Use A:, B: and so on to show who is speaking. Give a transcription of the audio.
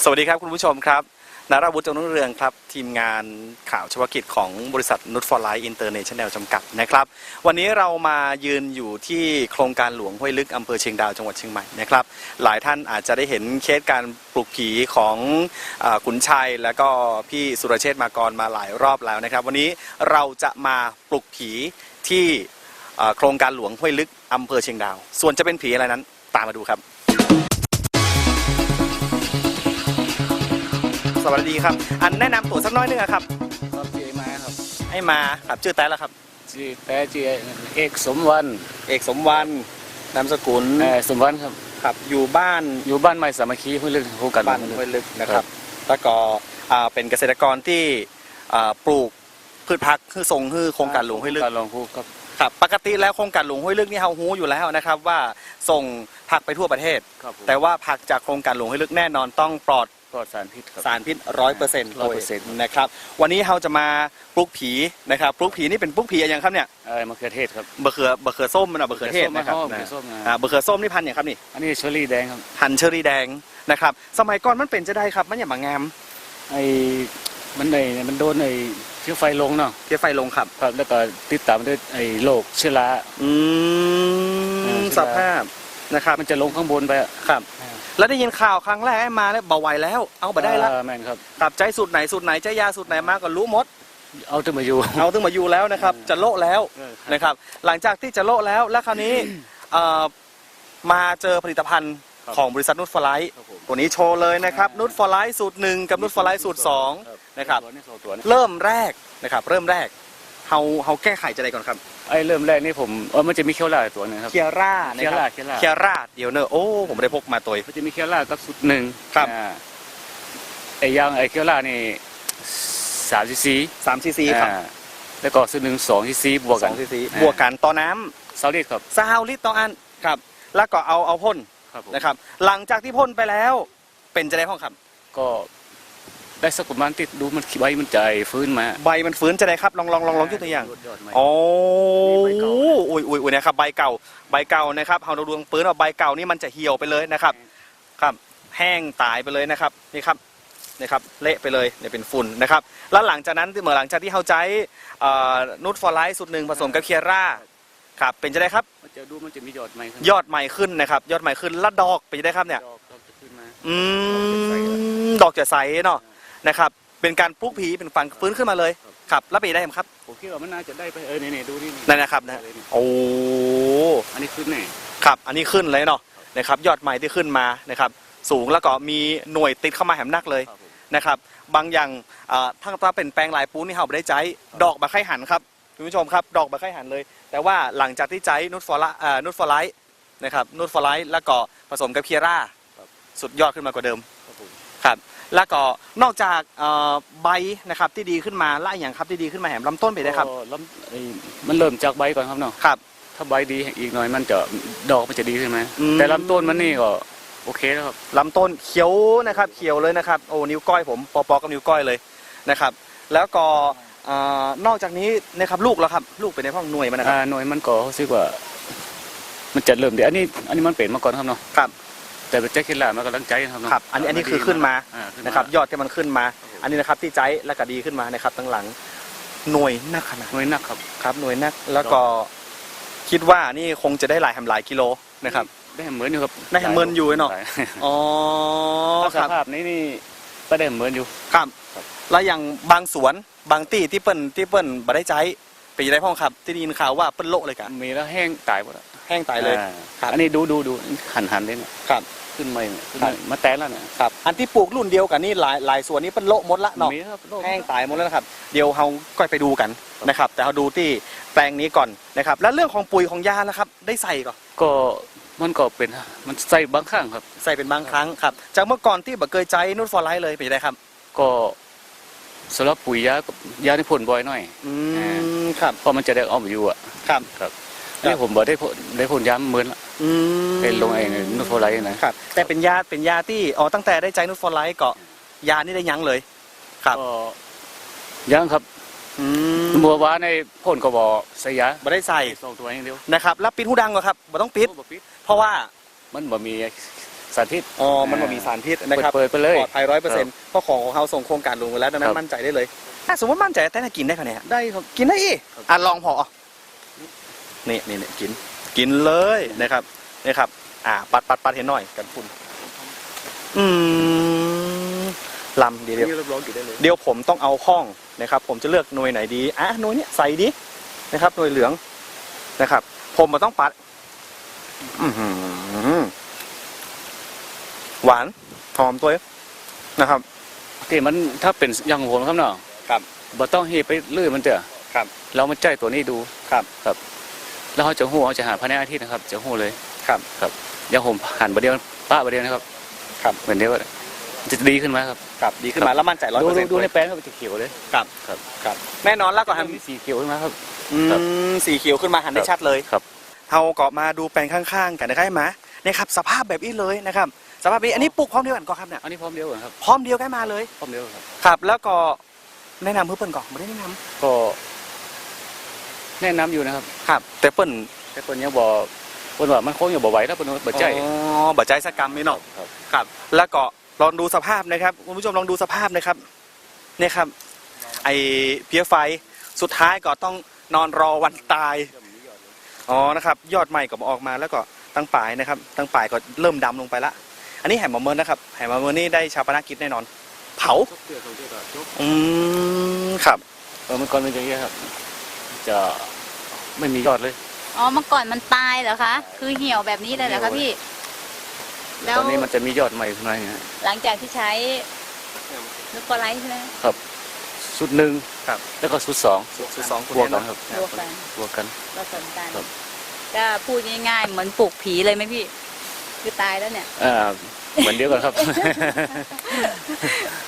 A: สวัสดีครับคุณผู้ชมครับนราวุฒิ จงรุ่งเรืองครับทีมงานข่าวเฉพาะกิจของบริษัทนุชฟอร์ไลท์อินเตอร์เนชั่นแนลจำกัดนะครับวันนี้เรามายืนอยู่ที่โครงการหลวงห้วยลึกอำเภอเชียงดาวจังหวัดเชียงใหม่นะครับหลายท่านอาจจะได้เห็นเคสการปลุกผีของขุนชัยและก็พี่สุรเชษฐ์มากรมาหลายรอบแล้วนะครับวันนี้เราจะมาปลุกผีที่โครงการหลวงห้วยลึกอำเภอเชียงดาวส่วนจะเป็นผีอะไรนั้นตามมาดูครับสวัสดีครับอันแนะนำตัวสักน้อยนึงครับ
B: ครับชื่อมาครับ
A: ให้มาครับชื่อแต่ละครับ
B: ชื่อแต่ชื่อเอกสมวรรณ
A: นามสกุล
B: สมวรรณครับ
A: ครับอยู่บ้าน
B: ใหม่สามัคคีห้วยลึกคู่กัน
A: บ้านห้วยลึกนะครับแล้วก็เป็นเกษตรกรที่ปลูกพืชผักคือส่งคือโครงการหลวงห้วยลึก
B: การลงคู่
A: ครับปกติแล้วโครงการหลวงห้วยลึกนี่เฮาฮู้อยู่แล้วนะครับว่าส่งผักไปทั่วประเทศแต่ว่าผักจากโครงการหลวงห้วยลึกแน่นอนต้องปลอด
B: สารพิษ
A: 100%นะครับวันนี้เราจะมาปลูกผีนะครับปลูกผีนี่เป็นปลูกผีอะไรอย่างครับเนี่ย
B: มะเขือเทศครับ
A: มะเขือส้มนะมะเขือเทศนะครับมะเขือส้มนี่พันธุ์อย่างครับนี่
B: อันนี้เชอรี่แดงครับ
A: พันธุ์เชอรี่แดงนะครับสมัยก่อนมันเป็นจะได้ครับมันอย่างบางงาม
B: มันโดนเชื้อไฟลงเนาะ
A: เชื้อไฟลงครับ
B: แล้วก็ติดตามด้วยโรคเชื้อรา
A: สภาพนะครับ
B: มันจะลงข้างบนไป
A: ครับแล้วได้ยินข่าวครั้งแรกมาแล้วเบาไหวแล้วเอาไปได้แล้ว
B: แม่นครับ
A: กับใจสูตรไหนใจยาสูตรไหนมาก็รู้หมด
B: เอาถึงมาอยู่
A: แล้วนะครับจะโละแล้วนะครับหลังจากที่จะโละแล้วคราวนี้มาเจอผลิตภัณฑ์ของบริษัทนุชฟอร์ไลท์ตัวนี้โชว์เลยนะครับนุชฟอร์ไลท์สูตร1กับนุชฟอร์ไลท์สูตร2นะครับเริ่มแรกเขาแก้ไขจะได้ก่อนครับ
B: เริ่มแรกนี่ผมมันจะมีเคียวร่าตัวนึงครับ
A: เคียร่าเดี๋ยวเนอะโอ้ผมได้พกมาตัว
B: มันจะมีเคียวร่ากับสูตร1
A: ครับ
B: อย่างเคียวร่านี่3 cc
A: ครับ
B: แล้วก็สูตร1 2 cc บวก
A: กันต่อน้
B: ำ20 ลิตรครับ
A: 20 ลิตรต่ออันครับแล้วก็เอาพ่นนะครับหลังจากที่พ่นไปแล้วเป็นจะได้ห้องครับ
B: ก็ได้สักประมาณติดดูมันใบมันใจฟื้นมา
A: ใบมันฟื้นจะได้ครับลองยกตัวอย่างโอ้ยนะครับใบเก่านะครับเราดูปืนว่าใบเก่านี่มันจะเหี่ยวไปเลยนะครับครับแห้งตายไปเลยนะครับนี่ครับเละไปเลยเนี่ยเป็นฝุ่นนะครับแล้วหลังจากนั้นเมื่อหลังจากที่เขาใช้นูตฟอร์ไลท์สูตร1ผสมกับเคียร่าครับเป็นจะได้ครับ
B: มันจะมียอดให
A: ม่ขึ้นนะครับยอดใหม่ขึ้นแล้วดอกเป็นจะได้ครับเนี่ยดอกจะใสเนาะนะครับเป็นการปลุกผีเป็นฟังฟื้นขึ้นมาเลยครับแล้วไปได้ไหมครับ
B: ผมคิดว่ามันน่าจะได้ไปนี่ดูนี่
A: นั่นนะครับนะโอ้
B: อันนี้ขึ้นนี่
A: ครับอันนี้ขึ้นเลยเนาะนะครับยอดใหม่ที่ขึ้นมานะครับสูงแล้วก็มีหน่วยติดเข้ามาแหมนักเลยนะครับบางอย่างทั้งตาเป็นแปลงลายปูนี่เขาไม่ได้ใจดอกบะไข่หันครับคุณผู้ชมครับดอกบะไข่หันเลยแต่ว่าหลังจากที่ใจนูตฟอร์ไลท์นะครับนูตฟอร์ไลท์แล้วก็ผสมกับเคียร่าสุดยอดขึ้นมากว่าเดิมครับแล้วก็นอกจากใบนะครับที่ดีขึ้นมาและอย่างครับที่ดีขึ้นมาแหมลำต้นไปได้ครับ
B: มันเริ่มจากใบก่อนครับเนาะ
A: ครับ
B: ถ้าใบดีอีกหน่อยมันจะดอกมันจะดีขึ้นไหมแต่ลำต้นมันนี่ก็โอเคแล้วครับ
A: ลำต้นเขียวนะครับเขียวเลยนะครับโอ้นิ้วก้อยผมปอกับนิ้วก้อยเลยนะครับแล้วก็นอกจากนี้นะครับลูกแล้วครับลูกเป็นในห้องหน่วยมันนะครับ
B: หน่วยมันก็รู้สึกว่ามันจะเริ่มเดี๋ยวอันนี้มันเป็นมาก่อนครับเนาะ
A: ครับ
B: แต่เป็นแจ็คเก็ตล่ามันกำลังใจ
A: ครับอันนี้คือขึ้นมานะครับยอดที่มันขึ้นมาอันนี้นะครับที่ใจและก็ดีขึ้นมานะครับตั้งหลังหน่วยนักขนาด
B: หน่วยนัก
A: ครับหน่วยนักแล้วก็คิดว่านี่คงจะได้หลายกิโลนะครับ
B: ได้เหมือนอยู่ครับ
A: ได้เหมือนอยู่เนาะอ๋อ
B: สภาพนี้ก็ได้เหมือนอยู่
A: ครับแล้วอย่างบางสวนบางที่เปิ้ลบ่ได้ใจไปได้พ่อครับที่ได้ยินข่าวว่าเปิ้ลโละเลยกัน
B: มีแล้วแห้งตายหมด
A: แห้งตายเลย
B: อันนี้ดูหันเลยเนี่ยขึ้นมาแตนแล้วเนี่ย
A: ครับอันที่ปลูกรุ่นเดียวกันนี่หลายส่วนนี้เป็นโละหมดละเนาะแห้งตายหมดแล้วนะครับเดี๋ยวเราก็ไปดูกันนะครับแต่เราดูที่แปลงนี้ก่อนนะครับแล้วเรื่องของปุ๋ยของยาแล้วครับได้ใส่
B: ก็มันก็เป็นมันใส่บางครั้งครับ
A: ใส่เป็นบางครั้งครับจากเมื่อก่อนที่บ่เคยใจนูตฟอร์ไลท์เลยเป็นไงครับ
B: ก็สำหรับปุ๋ยยาที่พ่นบ่อยหน่อย
A: ครับ
B: เพราะมันจะได้ออมอยู่อ่ะครับนี่ผมบอกได้ผลย้ำเหมือนละเป็นลงเองนูตฟอร์ไลท์
A: นะครับแต่เป็นยาที่ตั้งแต่ได้ใจนูตฟอร์ไลท์ก็ยานี่ได้ยั้งเลยครับ
B: ยั้งครับบัวว้าในพ่นก็บอกใส่ยา
A: บ่ได้ใส่
B: 2 ตัวอย่างเดียว
A: นะครับแล้วปิดหูดังก็ครับบ่ต้องปิดเพราะว่า
B: มันบ่มีสารพิษ
A: อ๋อมันบ่มีสารพิษนะครับ
B: เปิดไปเลย
A: ปลอดภัย100%เพราะของเขาส่งโครงการหลวงไปแล้วดังนั้
B: ครั
A: น
B: บ
A: มั่นใจได้เลยถ้าสมมติมั่นใจแต่ถ้ากินได้คะเนี่ย
B: ได้ครับ
A: กินได้อีก
B: ครับ
A: อ่ะลองพอนี่กินเลยนะครับนี่ครับปัดเห็นหน่อยกันคุณลำเดี๋ยว
B: นี่รับรองอยู่ได้เลย
A: เดี๋ยวผมต้องเอาห้องนะครับ ผมจะเลือกหน่วยไหนดีหน่วยเนี้ยใส่ดีนะครับหน่วยเหลืองนะครับ ผมมาต้องปัดอื้อหือหวานหอมตัวนะครับ
B: ที่มันถ้าเป็นอย่างผมครับเนาะ
A: ครับ
B: บ่ต้องเฮไปเลื่อยมันเถอะ
A: ครับ
B: เรามาใจตัวนี้ดู
A: ครับ
B: แล้วเขาจะหู้เขาจะหาภายในอาทิตย์นะครับ จะหู้เลย
A: ครับ
B: อย่างผมหันประเดียวป้าประเดียวนะครับ
A: ครับ
B: เหมือนเดียวจะดีขึ้นไหมครับ
A: ครับดีขึ้นมาแล้วมั่นใจ100%
B: ดูในแปลงครับจะเขียวเลย
A: ครับแน่นอนแล้วก็หัน
B: มีสีเขียวขึ้นมาครับ
A: ครับสีเขียวขึ้นมาหันได้ชัดเลย
B: ครับ
A: เราก็มาดูแปลงข้างๆกันนะครับมาเนี่ยครับสภาพแบบนี้เลยนะครับ สภาพนี้อันนี้ปลูกพร้อมเดียวกันก่อนครับเนี่ย
B: อันนี้พร้อมเดียวกันครับ
A: พร้อมเดียวกันมาเลย
B: พร้อมเดียวครับ
A: ครับ แล้วก็แนะนำเพื่อนก่อนไม่ได้แนะน
B: ก็แนะนำอยู่นะครับ
A: ำครับ แต่เปิ้น
B: แต่คนยังบอกคนว่ามันคงอยู่บ่ไหวแล้วคนบ่ใจ
A: อ๋อบัจใจสกรรมนี่เนาะ
B: ครับ
A: ครับ แล้วก็ลองดูสภาพนะครับคุณผู้ชมลองดูสภาพนะครับเนี่ยครับ ไอเพี้ยไฟสุดท้ายก็ต้องนอนรอวันตายอ๋อนะครับ ยอดใหม่ก็ออกมาแล้วก็ตั้งปลายนะครับ ตั้งปลายก็เริ่มดำลงไปละอันนี้แหมมะเมินนะครับแหมมะเมินนี่ได้ชาปนกิจแน่นอน เผาครับ
B: เมื่อก่อนเป็นอย่างนี้ครับ จะไม่มียอดเลย
C: อ๋อเมื่อก่อนมันตายเหรอคะ คือเหี่ยวแบบนี้เลยเหรอคะพี่ แล้ว
B: ตอนนี้มันจะมียอดใหม่ขึ้นมาอย่างเงี้ย
C: หลังจากที่ใช้นูตฟอร์ไลท์ใช่ไหม
B: ชุดหนึ่ง
A: ครับ
B: แล้วก็ชุดสอง
A: สุดสองคุณ
B: บวก
A: เนี่ย
B: กัน
A: นะครับ
C: บวกกัน
B: บวกกัน
C: ผสมกัน
B: ครับ
C: ก็พูดง่ายๆเหมือนปลูกผีเลยไหมพี่ คือตายแล้วเนี่ย
B: เหมือนเดียวกันครับ